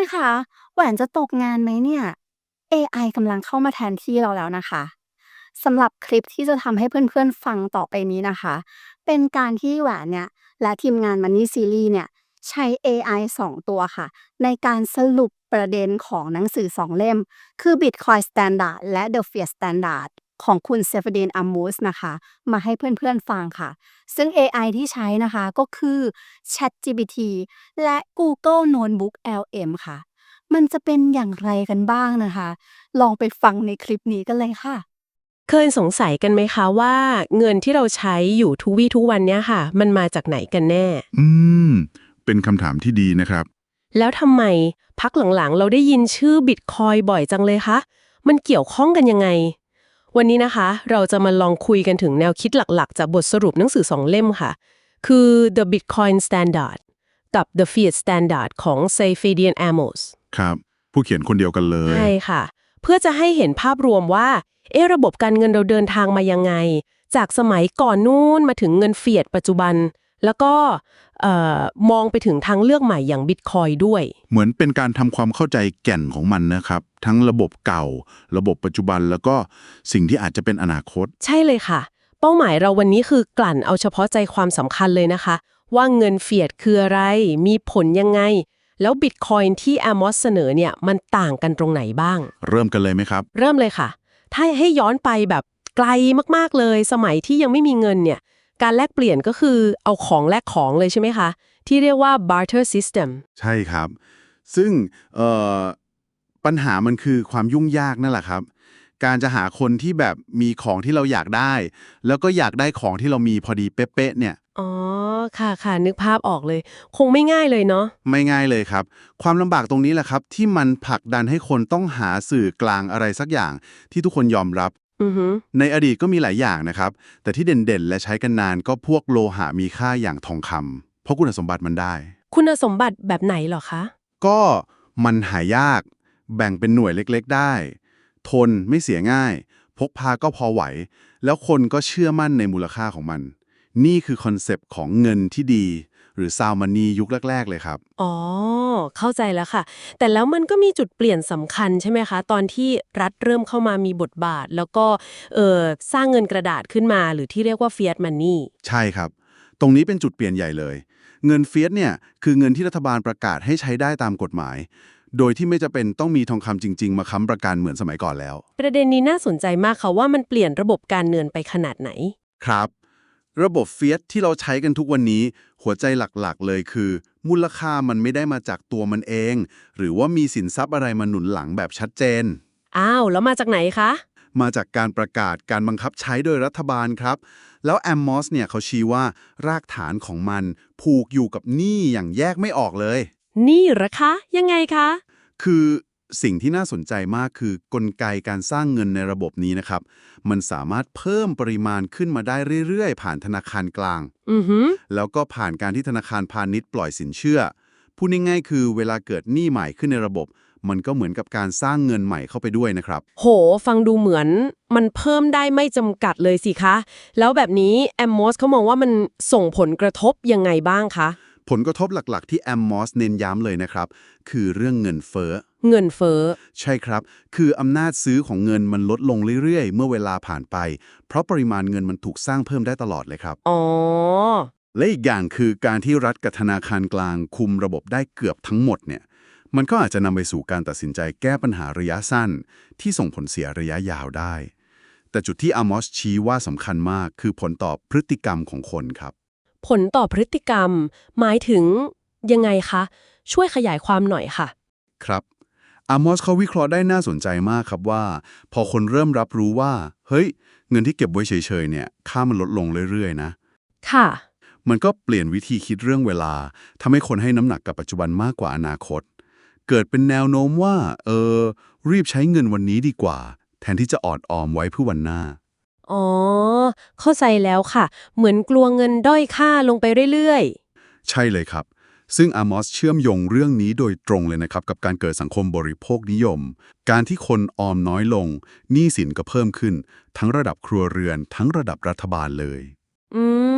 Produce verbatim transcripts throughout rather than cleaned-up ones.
คะแหวนจะตกงานไหมเนี่ย เอ ไอ กำลังเข้ามาแทนที่เราแล้วนะคะสำหรับคลิปที่จะทำให้เพื่อนๆฟังต่อไปนี้นะคะเป็นการที่แหวนเนี่ยและทีมงาน Money Series เนี่ยใช้ เอ ไอ สองตัวค่ะในการสรุปประเด็นของหนังสือสองเล่มคือ Bitcoin Standard และ The Fiat Standard ของคุณ Saifedean Ammous นะคะมาให้เพื่อนๆฟังค่ะซึ่ง เอ ไอ ที่ใช้นะคะก็คือ ChatGPT และ Google Notebook แอล เอ็ม ค่ะมันจะเป็นอย่างไรกันบ้างนะคะลองไปฟังในคลิปนี้กันเลยค่ะเคยสงสัยกันไหมคะว่าเงินที่เราใช้อยู่ทุกวี่ทุกวันเนี้ยค่ะมันมาจากไหนกันแน่อืม เป็นคำถามที่ดีนะครับแล้วทำไมพักหลังๆเราได้ยินชื่อบิตคอยบ่อยจังเลยคะมันเกี่ยวข้องกันยังไง วันนี้นะคะเราจะมาลองคุยกันถึงแนวคิดหลักๆจากบทสรุปหนังสือสองเล่มค่ะ คือ The Bitcoin Standard กับ The Fiat Standard ของ Saifedean Ammous ครับ ผู้เขียนคนเดียวกันเลยใช่ค่ะเพื่อจะให้เห็นภาพรวมว่าเอะระบบการเงินเราเดินทางมายังไงจากสมัยก่อนนู้นมาถึงเงินเฟียดปัจจุบันแล้วก็เอ่อมองไปถึงทางเลือกใหม่อย่างบิตคอยด้วยเหมือนเป็นการทำความเข้าใจแก่นของมันนะครับ ทั้งระบบเก่า ระบบปัจจุบันแล้วก็สิ่งที่อาจจะเป็นอนาคตใช่เลยค่ะเป้าหมายเราวันนี้คือกลั่นเอาเฉพาะใจความสำคัญเลยนะคะว่าเงินเฟียดคืออะไรมีผลยังไงแล้วบิตคอยที่ Amos เสนอเนี่ยมันต่างกันตรงไหนบ้างเริ่มกันเลยไหมครับเริ่มเลยค่ะ ถ้าให้ย้อนไปแบบไกลมากๆเลย สมัยที่ยังไม่มีเงินเนี่ย การแลกเปลี่ยนก็คือเอาของแลกของเลยใช่ไหมคะ ที่เรียกว่า barter system ใช่ครับ ซึ่งเอ่อปัญหามันคือความยุ่งยากนั่นแหละครับ การจะหาคนที่แบบมีของที่เราอยากได้ แล้วก็อยากได้ของที่เรามีพอดีเป๊ะๆเนี่ยอ๋อ ค่ะค่ะนึกภาพออกเลย คงไม่ง่ายเลยเนาะไม่ง่ายเลยครับ ความลำบากตรงนี้แหละครับ ที่มันผลักดันให้คนต้องหาสื่อกลางอะไรสักอย่างที่ทุกคนยอมรับอือฮึในอดีตก็มีหลายอย่างนะครับ แต่ที่เด่นๆ และใช้กันนานก็พวกโลหะมีค่าอย่างทองคำเพราะคุณสมบัติมันได้คุณสมบัติแบบไหนเหรอคะก็มันหายาก แบ่งเป็นหน่วยเล็กๆได้ ทนไม่เสียง่าย พกพาก็พอไหว แล้วคนก็เชื่อมั่นในมูลค่าของมัน นี่คือคอนเซปต์ของเงินที่ดี หรือซาวมานียุคแรกๆเลยครับอ๋อ เข้าใจแล้วค่ะ แต่แล้วมันก็มีจุดเปลี่ยนสำคัญใช่ไหมคะ ตอนที่รัฐเริ่มเข้ามามีบทบาท แล้วก็เอ่อสร้างเงินกระดาษขึ้นมา หรือที่เรียกว่า fiat money ใช่ครับ ตรงนี้เป็นจุดเปลี่ยนใหญ่เลย เงินเฟียสเนี่ยคือเงินที่รัฐบาลประกาศให้ใช้ได้ตามกฎหมาย โดยที่ไม่จะเป็นต้องมีทองคำจริงๆมาค้ำประกันเหมือนสมัยก่อนแล้วประเด็นนี้น่าสนใจมากค่ะว่ามันเปลี่ยนระบบการเงินไปขนาดไหนครับ ระบบเฟียสที่เราใช้กันทุกวันนี้ หัวใจหลักๆเลยคือ มูลค่ามันไม่ได้มาจากตัวมันเอง หรือว่ามีสินทรัพย์อะไรมาหนุนหลังแบบชัดเจนอ้าว แล้วมาจากไหนคะมาจากการประกาศการบังคับใช้โดยรัฐบาลครับ แล้วแอมมอสเนี่ยเขาชี้ว่ารากฐานของมันผูกอยู่กับหนี้อย่างแยกไม่ออกเลยนี่เหรอคะ ยังไงคะคือสิ่งที่น่าสนใจมากคือกลไกการสร้างเงินในระบบนี้นะครับ มันสามารถเพิ่มปริมาณขึ้นมาได้เรื่อยๆ ผ่านธนาคารกลางอือหือแล้วก็ผ่านการที่ธนาคารพาณิชย์ปล่อยสินเชื่อ พูดง่ายๆคือเวลาเกิดหนี้ใหม่ขึ้นในระบบ มันก็เหมือนกับการสร้างเงินใหม่เข้าไปด้วยนะครับโห ฟังดูเหมือนมันเพิ่มได้ไม่จำกัดเลยสิคะ แล้วแบบนี้แอมมอสเขามองว่ามันส่งผลกระทบยังไงบ้างคะผลกระทบหลักๆที่แอมมอสเน้นย้ำเลยนะครับ คือเรื่องเงินเฟ้อเงินเฟ้อใช่ครับ คืออำนาจซื้อของเงินมันลดลงเรื่อยๆ เมื่อเวลาผ่านไป เพราะปริมาณเงินมันถูกสร้างเพิ่มได้ตลอดเลยครับอ๋อและอีกอย่างคือการที่รัฐกับธนาคารกลางคุมระบบได้เกือบทั้งหมดเนี่ย มันก็อาจจะนำไปสู่การตัดสินใจแก้ปัญหาระยะสั้น ที่ส่งผลเสียระยะยาวได้ แต่จุดที่อามอสชี้ว่าสำคัญมากคือผลต่อพฤติกรรมของคนครับผลต่อพฤติกรรม หมายถึงยังไงคะ ช่วยขยายความหน่อยค่ะครับอามอสเขาวิเคราะห์ได้น่าสนใจมากครับว่า พอคนเริ่มรับรู้ว่า เฮ้ย เงินที่เก็บไว้เฉยๆเนี่ยค่ามันลดลงเรื่อยๆนะค่ะมันก็เปลี่ยนวิธีคิดเรื่องเวลาทำให้คนให้น้ำหนักกับปัจจุบันมากกว่าอนาคต เกิดเป็นแนวโน้มว่า เออ รีบใช้เงินวันนี้ดีกว่า แทนที่จะออดออมไว้เพื่อวันหน้าอ๋อ เข้าใจแล้วค่ะ เหมือนกลัวเงินด้อยค่าลงไปเรื่อยใช่เลยครับ ซึ่งอามอสเชื่อมโยงเรื่องนี้โดยตรงเลยนะครับกับการเกิดสังคมบริโภคนิยม การที่คนออมน้อยลงหนี้สินก็เพิ่มขึ้น ทั้งระดับครัวเรือนทั้งระดับรัฐบาลเลยๆ อืม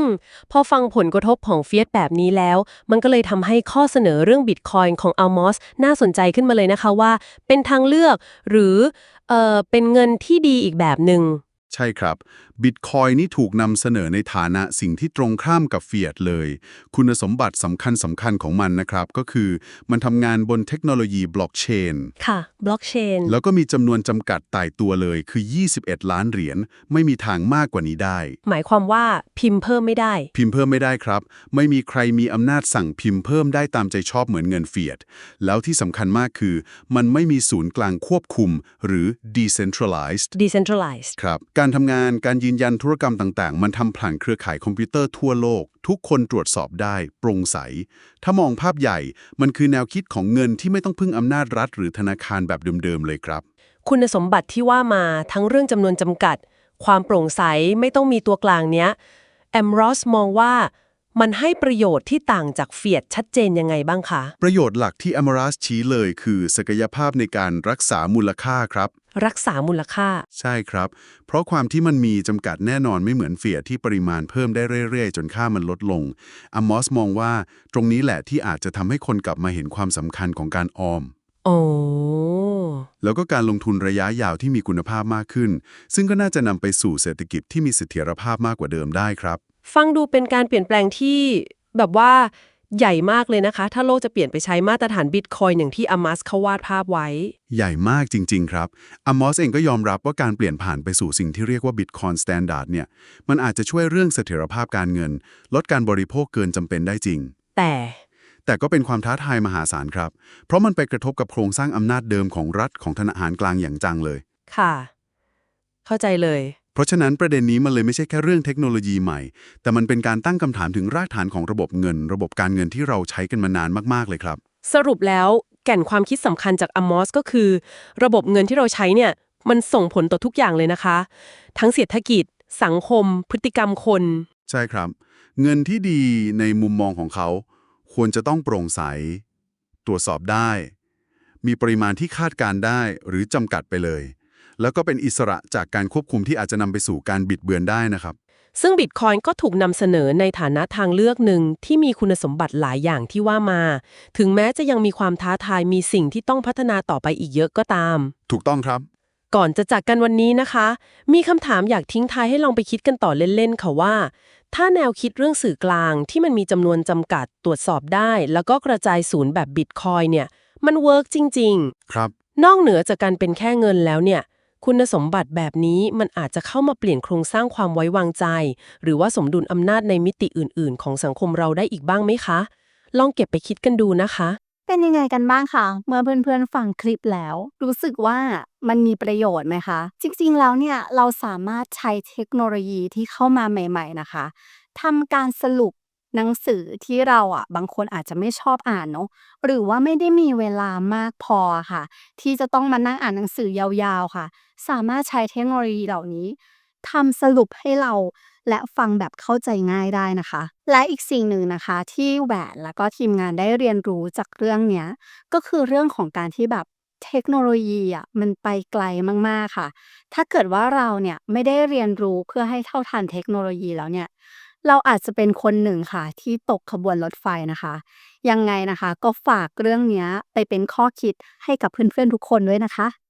พอฟังผลกระทบของเฟียสแบบนี้แล้ว มันก็เลยทำให้ข้อเสนอเรื่องบิตคอยน์ของอัลมอสน่าสนใจขึ้นมาเลยนะคะว่า เป็นทางเลือกหรือเอ่อเป็นเงินที่ดีอีกแบบหนึ่งใช่ครับบิตคอยนี่ถูกนำเสนอในฐานะสิ่งที่ตรงข้ามกับเฟียตเลย คุณสมบัติสำคัญสำคัญของมันนะครับ ก็คือมันทำงานบนเทคโนโลยีบล็อกเชนค่ะบล็อกเชนแล้วก็มีจำนวนจำกัดตายตัวเลยคือ ยี่สิบเอ็ด ล้านเหรียญ ไม่มีทางมากกว่านี้ได้หมายความว่าพิมพ์เพิ่มไม่ได้พิมพ์เพิ่มไม่ได้ครับ ไม่มีใครมีอำนาจสั่งพิมพ์เพิ่มได้ตามใจชอบเหมือนเงินเฟียตแล้วที่สำคัญมากคือ มันไม่มีศูนย์กลางควบคุมหรือ decentralized decentralized ครับการทำงานการยืนยันธุรกรรมต่างๆ มันทำผ่านเครือข่ายคอมพิวเตอร์ทั่วโลก ทุกคนตรวจสอบได้โปร่งใส ถ้ามองภาพใหญ่มันคือแนวคิดของเงินที่ไม่ต้องพึ่งอำนาจรัฐหรือธนาคารแบบเดิมๆเลยครับคุณสมบัติที่ว่ามาทั้งเรื่องจำนวนจำกัด ความโปร่งใสไม่ต้องมีตัวกลางเนี้ยแอมรอสมองว่ามันให้ประโยชน์ที่ต่างจากเฟียตชัดเจนยังไงบ้างคะประโยชน์หลักที่อมรัสชี้เลยคือศักยภาพในการรักษามูลค่าครับรักษามูลค่าใช่ครับ เพราะความที่มันมีจำกัดแน่นอนไม่เหมือนเฟียตที่ปริมาณเพิ่มได้เรื่อยๆ จนค่ามันลดลงอัมมอสมองว่าตรงนี้แหละที่อาจจะทำให้คนกลับมาเห็นความสำคัญของการออมโอ้แล้วก็การลงทุนระยะยาวที่มีคุณภาพมากขึ้น ซึ่งก็น่าจะนำไปสู่เศรษฐกิจที่มีเสถียรภาพมากกว่าเดิมได้ครับฟังดูเป็นการเปลี่ยนแปลงที่แบบว่าใหญ่มากเลยนะคะ ถ้าโลกจะเปลี่ยนไปใช้มาตรฐานบิตคอยน์อย่างที่อามัสเขาวาดภาพไว้ใหญ่มากจริงๆครับอัมมอสเองก็ยอมรับว่าการเปลี่ยนผ่านไปสู่สิ่งที่เรียกว่า Bitcoin Standard เนี่ยมันอาจจะช่วยเรื่องเสถียรภาพการเงิน ลดการบริโภคเกินจำเป็นได้จริงแต่แต่ก็เป็นความท้าทายมหาศาลครับ เพราะมันไปกระทบกับโครงสร้างอำนาจเดิมของรัฐของธนาคารกลางอย่างจังเลยค่ะ เข้าใจเลยเพราะฉะนั้นประเด็นนี้มันเลยไม่ใช่แค่เรื่องเทคโนโลยีใหม่ แต่มันเป็นการตั้งคำถามถึงรากฐานของระบบเงิน ระบบการเงินที่เราใช้กันมานานมากๆเลยครับสรุปแล้วแก่นความคิดสำคัญจากอมอสก็คือ ระบบเงินที่เราใช้เนี่ยมันส่งผลต่อทุกอย่างเลยนะคะ ทั้งเศรษฐกิจ สังคม พฤติกรรมคนใช่ครับ เงินที่ดีในมุมมองของเขา ควรจะต้องโปร่งใส ตรวจสอบได้ มีปริมาณที่คาดการณ์ได้หรือจำกัดไปเลย แล้วก็เป็นอิสระจากการควบคุมที่อาจจะนำไปสู่การบิดเบือนได้นะครับซึ่งบิตคอยน์ก็ถูกนำเสนอในฐานะทางเลือกหนึ่งที่มีคุณสมบัติหลายอย่างที่ว่ามา ถึงแม้จะยังมีความท้าทายมีสิ่งที่ต้องพัฒนาต่อไปอีกเยอะก็ตามถูกต้องครับก่อนจะจากกันวันนี้นะคะ มีคำถามอยากทิ้งท้ายให้ลองไปคิดกันต่อเล่นๆค่ะว่า ถ้าแนวคิดเรื่องสื่อกลางที่มันมีจำนวนจำกัดตรวจสอบได้ แล้วก็กระจายศูนย์แบบบิตคอยน์เนี่ยมันเวิร์กจริงๆครับนอกเหนือจากการเป็นแค่เงินแล้วเนี่ยคุณสมบัติแบบนี้มันอาจจะเข้ามาเปลี่ยนโครงสร้างความไว้วางใจ หรือว่าสมดุลอำนาจในมิติอื่นๆ ของสังคมเราได้อีกบ้างไหมคะ ลองเก็บไปคิดกันดูนะคะเป็นยังไงกันบ้างคะเมื่อเพื่อนๆฟังคลิปแล้ว รู้สึกว่ามันมีประโยชน์ไหมคะ จริงๆแล้วเนี่ยเราสามารถใช้เทคโนโลยีที่เข้ามาใหม่ๆนะคะทำการสรุปหนังสือที่เราอ่ะบางคนอาจจะไม่ชอบอ่านเนาะหรือว่าไม่ได้มีเวลามากพอค่ะ ที่จะต้องมานั่งอ่านหนังสือยาวๆค่ะ สามารถใช้เทคโนโลยีเหล่านี้ทำสรุปให้เรา และฟังแบบเข้าใจง่ายได้นะคะ และอีกสิ่งหนึ่งนะคะที่แหวนแล้วก็ทีมงานได้เรียนรู้จากเรื่องเนี้ยก็คือเรื่องของการที่แบบเทคโนโลยีอ่ะมันไปไกลมากๆค่ะ ถ้าเกิดว่าเราเนี่ยไม่ได้เรียนรู้เพื่อให้เท่าทันเทคโนโลยีแล้วเนี่ยเราอาจจะเป็นคนหนึ่งค่ะที่ตกขบวนรถไฟนะคะ ยังไงนะคะก็ฝากเรื่องเนี้ยไปเป็นข้อคิดให้กับเพื่อนๆทุกคนด้วยนะคะ